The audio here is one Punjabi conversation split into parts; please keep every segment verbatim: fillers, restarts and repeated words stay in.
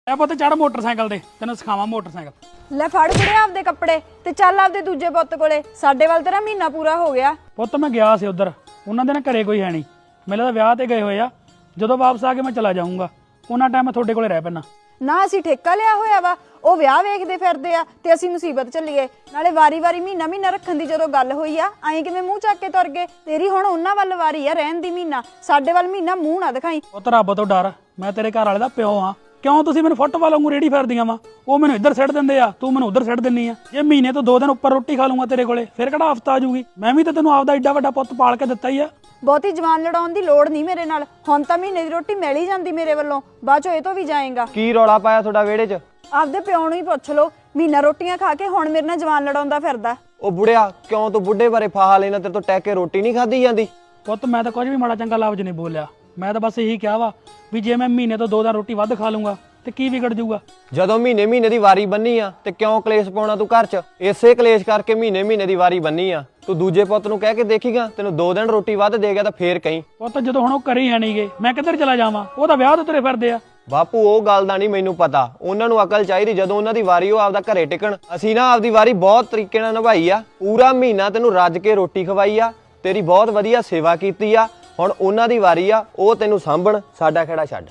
ਐ ਪੁੱਤ ਚੜ ਮੋਟਰਸਾਈਕਲ ਤੇ ਤੈਨੂੰ ਸਿਖਾਵਾਂ ਮੋਟਰਸਾਈਕਲ। ਲੈ ਫੜ ਕੁੜਿਆ ਆਪਦੇ ਕੱਪੜੇ ਤੇ ਚੱਲ ਆਪਦੇ ਦੂਜੇ ਪੁੱਤ ਕੋਲੇ। ਸਾਡੇ ਵੱਲ ਤੇਰਾ ਮਹੀਨਾ ਪੂਰਾ ਹੋ ਗਿਆ। ਪੁੱਤ ਮੈਂ ਗਿਆ ਸੀ ਉਧਰ, ਉਹਨਾਂ ਦੇ ਨਾ ਘਰੇ ਕੋਈ ਹੈ ਨਹੀਂ, ਮੇਰੇ ਤਾਂ ਵਿਆਹ ਤੇ ਗਏ ਹੋਏ ਆ। ਜਦੋਂ ਵਾਪਸ ਆ ਕੇ ਮੈਂ ਚਲਾ ਜਾਊਂਗਾ, ਉਹਨਾਂ ਟਾਈਮ ਮੈਂ ਤੁਹਾਡੇ ਕੋਲੇ ਰਹਿ ਪੈਣਾ। ਨਾ ਅਸੀਂ ਠੇਕਾ ਲਿਆ ਹੋਇਆ ਵਾ, ਉਹ ਵਿਆਹ ਵੇਖਦੇ ਫਿਰਦੇ ਆ ਤੇ ਅਸੀਂ ਮੁਸੀਬਤ ਚੱਲੀਏ। ਨਾਲੇ ਵਾਰੀ ਵਾਰੀ ਮਹੀਨਾ ਮਹੀਨਾ ਰੱਖਣ ਦੀ ਜਦੋਂ ਗੱਲ ਹੋਈ ਆ, ਐਂ ਕਿਵੇਂ ਮੂੰਹ ਚੱਕ ਕੇ ਤੁਰ ਗਏ? ਤੇਰੀ ਹੁਣ ਉਹਨਾਂ ਵੱਲ ਵਾਰੀ ਆ ਰਹਿਣ ਦੀ ਮਹੀਨਾ, ਸਾਡੇ ਵੱਲ ਮਹੀਨਾ ਮੂੰਹ ਨਾ ਦਿਖਾਈ। ਪੁੱਤ ਰੱਬ ਤੋਂ ਡਰ, ਮੈਂ ਤੇਰੇ ਘਰ ਵਾਲੇ ਦਾ ਪਿਓ ਆ। ਕਿਉਂ ਤੁਸੀਂ ਮੈਨੂੰ ਫੁੱਟਬਾਲ ਵਾਂਗੂ ਰੇੜੀ ਫਿਰਦੀਆਂ ਵਾ? ਉਹ ਮੈਨੂੰ ਇੱਧਰ ਸਿੱਟ ਦਿੰਦੇ ਆ, ਤੂੰ ਮੈਨੂੰ ਉੱਧਰ ਸਿੱਟ ਦਿੰਨੀ ਆ। ਜੇ ਮਹੀਨੇ ਤੋਂ ਦੋ ਦਿਨ ਉੱਪਰ ਰੋਟੀ ਖਾ ਲੂੰਗਾ ਤੇਰੇ ਕੋਲੇ, ਫਿਰ ਕਿਹੜਾ ਹਫਤਾ ਆ ਜੂਗੀ? ਮੈਂ ਵੀ ਤਾਂ ਤੈਨੂੰ ਆਪਦਾ ਏਡਾ ਵੱਡਾ ਪੁੱਤ ਪਾਲ ਕੇ ਦਿੱਤਾ ਹੀ ਆ। ਬਹੁਤੀ ਜਵਾਨ ਲੜਾਉਣ ਦੀ ਲੋੜ ਨਹੀਂ ਮੇਰੇ ਨਾਲ। ਹੁਣ ਤਾਂ ਮਹੀਨੇ ਦੀ ਰੋਟੀ ਮਿਲ ਹੀ ਜਾਂਦੀ ਮੇਰੇ ਵੱਲੋਂ, ਬਾਅਦ ਚੋਂ ਇਹ ਤੋਂ ਵੀ ਜਾਏਗਾ। ਕੀ ਰੌਲਾ ਪਾਇਆ ਤੁਹਾਡਾ ਵਿਹੜੇ 'ਚ? ਆਪਦੇ ਪਿਓ ਨੂੰ ਹੀ ਪੁੱਛ ਲਓ, ਮਹੀਨਾ ਰੋਟੀਆਂ ਖਾ ਕੇ ਹੁਣ ਮੇਰੇ ਨਾਲ ਜਵਾਨ ਲੜਾਉਂਦਾ ਫਿਰਦਾ। ਉਹ ਬੁੜਿਆ, ਕਿਉਂ ਤੂੰ ਬੁੱਢੇ ਬਾਰੇ ਫਾਹਾ ਲੈਣਾ? ਤੇਰੇ ਤੋਂ ਟਹਿ ਕੇ ਰੋਟੀ ਨਹੀਂ ਖਾਧੀ ਜਾਂਦੀ? ਪੁੱਤ ਮੈਂ ਤਾਂ ਕੁਝ ਵੀ ਮਾੜਾ ਚੰਗਾ ਲਫ਼ਜ਼ ਨਹੀਂ ਬੋਲਿਆ, ਮੈਂ ਤਾਂ ਬਸ ਇਹੀ ਕਿਹਾ ਵਾ ਵੀ ਜੇ ਮੈਂ ਮਹੀਨੇ ਤੋਂ ਦੋ ਦਿਨ ਰੋਟੀ ਵੱਧ ਖਾ ਲੂੰਗਾ ਤੇ ਕੀ ਵਿਗੜ ਜਾਊਗਾ? ਜਦੋਂ ਮਹੀਨੇ ਮਹੀਨੇ ਦੀ ਵਾਰੀ ਬੰਨੀ ਆ ਤੇ ਕਿਉਂ ਕਲੇਸ਼ ਪਾਉਣਾ ਤੂੰ ਘਰ 'ਚ? ਇਸੇ ਕਲੇਸ਼ ਕਰਕੇ ਮਹੀਨੇ ਮਹੀਨੇ ਦੀ ਵਾਰੀ ਬੰਨੀ ਆ। ਤੂੰ ਦੂਜੇ ਪੁੱਤ ਨੂੰ ਕਹਿ ਕੇ ਦੇਖੀਗਾ, ਤੈਨੂੰ ਦੋ ਦਿਨ ਰੋਟੀ ਵੱਧ ਦੇ ਗਿਆ ਤਾਂ ਫੇਰ ਕਹੀਂ। ਪੁੱਤ ਜਦੋਂ ਹੁਣ ਉਹ ਘਰੇ ਹੀ ਹੈ ਨਹੀਂਗੇ, ਮੈਂ ਕਿੱਧਰ ਚਲਾ ਜਾਵਾਂ? ਉਹ ਤਾਂ ਵਿਆਹ ਤੋਂ ਤੁਰੇ ਫਿਰਦੇ ਆ। ਬਾਪੂ ਉਹ ਗੱਲ ਦਾ ਨਹੀਂ ਮੈਨੂੰ ਪਤਾ, ਉਹਨਾਂ ਨੂੰ ਅਕਲ ਚਾਹੀਦੀ। ਜਦੋਂ ਉਹਨਾਂ ਦੀ ਵਾਰੀ ਉਹ ਆਪਦਾ ਘਰੇ ਟਿਕਣ। ਅਸੀਂ ਨਾ ਆਪਦੀ ਵਾਰੀ ਬਹੁਤ ਤਰੀਕੇ ਨਾਲ ਨਿਭਾਈ ਆ, ਪੂਰਾ ਮਹੀਨਾ ਤੈਨੂੰ ਰੱਜ ਕੇ ਰੋਟੀ ਖਵਾਈ ਆ, ਤੇਰੀ ਬਹੁਤ ਵਧੀਆ ਸੇਵਾ ਕੀਤੀ ਆ। ਹੁਣ ਉਹਨਾਂ ਦੀ ਵਾਰੀ ਆ, ਉਹ ਤੈਨੂੰ ਸਾਂਭਣ, ਸਾਡਾ ਖੇੜਾ ਛੱਡ।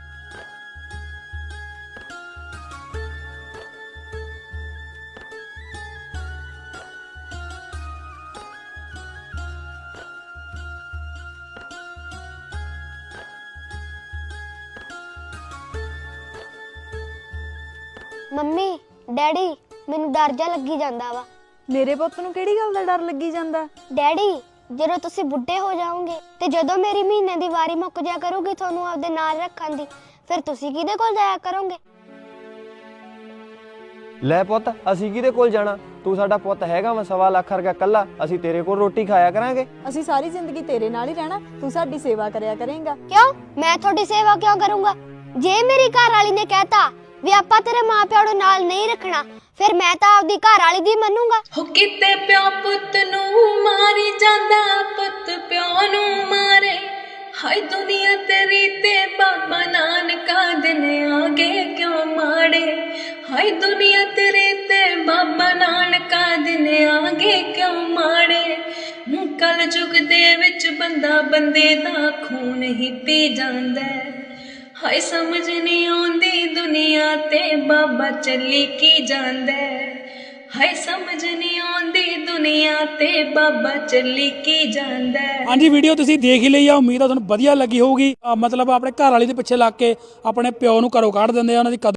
ਮੰਮੀ ਡੈਡੀ ਮੈਨੂੰ ਡਰ ਜਾ ਲੱਗੀ ਜਾਂਦਾ ਵਾ। ਮੇਰੇ ਪੁੱਤ ਨੂੰ ਕਿਹੜੀ ਗੱਲ ਦਾ ਡਰ ਲੱਗੀ ਜਾਂਦਾ? ਡੈਡੀ ਜਦੋਂ ਤੁਸੀਂ ਬੁੱਢੇ ਹੋ ਜਾਓਗੇ ਤੇ ਜਦੋਂ ਮੇਰੀ ਮਹੀਨੇ ਦੀ ਵਾਰੀ ਮੁੱਕ ਜਾ ਕਰੂਗੀ ਤੁਹਾਨੂੰ ਆਪਦੇ ਨਾਲ ਰੱਖਣ ਦੀ, ਫਿਰ ਤੁਸੀਂ ਕਿਹਦੇ ਕੋਲ ਜਾਇਆ ਕਰੋਗੇ? ਲੈ ਪੁੱਤ, ਅਸੀਂ ਕਿਹਦੇ ਕੋਲ ਜਾਣਾ? ਤੂੰ ਸਾਡਾ ਪੁੱਤ ਹੈਗਾ ਵਾ ਸਵਾ ਲੱਖ ਰੁਪਇਆ ਕੱਲਾ, ਅਸੀਂ ਤੇਰੇ ਕੋਲ ਰੋਟੀ ਖਾਇਆ ਕਰਾਂਗੇ। ਅਸੀਂ ਸਾਰੀ ਜ਼ਿੰਦਗੀ ਤੇਰੇ ਨਾਲ ਹੀ ਰਹਿਣਾ, ਤੂੰ ਸਾਡੀ ਸੇਵਾ ਕਰਿਆ ਕਰੇਂਗਾ। ਕਿਉਂ? ਮੈਂ ਤੁਹਾਡੀ ਸੇਵਾ ਕਿਉਂ ਕਰੂੰਗਾ? ਜੇ ਮੇਰੀ ਘਰ ਵਾਲੀ ਨੇ ਕਹਿਤਾ ਵੀ ਆਪਾਂ ਤੇਰੇ ਮਾਪਿਆਂ ਨੂੰ ਨਾਲ ਨਹੀਂ ਰੱਖਣਾ, ਫਿਰ ਮੈਂ ਤਾਂ ਆਪਦੀ ਘਰ ਵਾਲੀ ਦੀ ਮੰਨੂੰਗਾ। ਹੋ ਕਿਤੇ ਪਿਓ ਪੁੱਤ ਨੂੰ ਮਾਰੀ ਜਾਂਦਾ, ਪੁੱਤ ਪਿਓ ਨੂੰ ਮਾਰੇ। ਹਾਏ ਦੁਨੀਆ ਤੇਰੀ ਤੇ ਬਾਬਾ ਨਾਨਕਾ ਦਿਨ ਆਗੇ ਕਿਉਂ ਮਾੜੇ। ਹਾਏ ਦੁਨੀਆ ਤੇਰੀ ਤੇ ਬਾਬਾ ਨਾਨਕਾ ਦਿਨ ਆਗੇ ਕਿਉਂ ਮਾੜੇ। ਕਲ ਯੁੱਗ ਦੇ ਵਿੱਚ ਬੰਦਾ ਬੰਦੇ ਦਾ ਖੂਨ ਹੀ ਪੀ ਜਾਂਦਾ। ਹਾਏ ਸਮਝ ਨਹੀਂ ਆਉਂਦੀ ਦੁਨੀਆ ਤੇ ਬਾਬਾ ਚੱਲੀ ਕੀ ਜਾਂਦਾ। ਹਾਏ ਸਮਝ ਨਹੀਂ ਆਉਂਦੀ ਦੁਨੀਆ ਤੇ ਬਾਬਾ ਚੱਲੀ ਕੀ ਜਾਂਦਾ। ਹਾਂਜੀ, ਵੀਡੀਓ ਤੁਸੀਂ ਦੇਖ ਹੀ ਲਈ ਆ, ਉਮੀਦ ਆ ਤੁਹਾਨੂੰ ਵਧੀਆ ਲੱਗੀ ਹੋਊਗੀ। ਅਹ ਮਤਲਬ ਆਪਣੇ ਘਰ ਵਾਲੀ ਦੇ ਪਿੱਛੇ ਲੱਗ ਕੇ ਆਪਣੇ ਪਿਓ ਨੂੰ ਘਰੋਂ ਕੱਢ ਦਿੰਦੇ ਆ, ਉਹਨਾਂ ਦੀ ਕਦਰ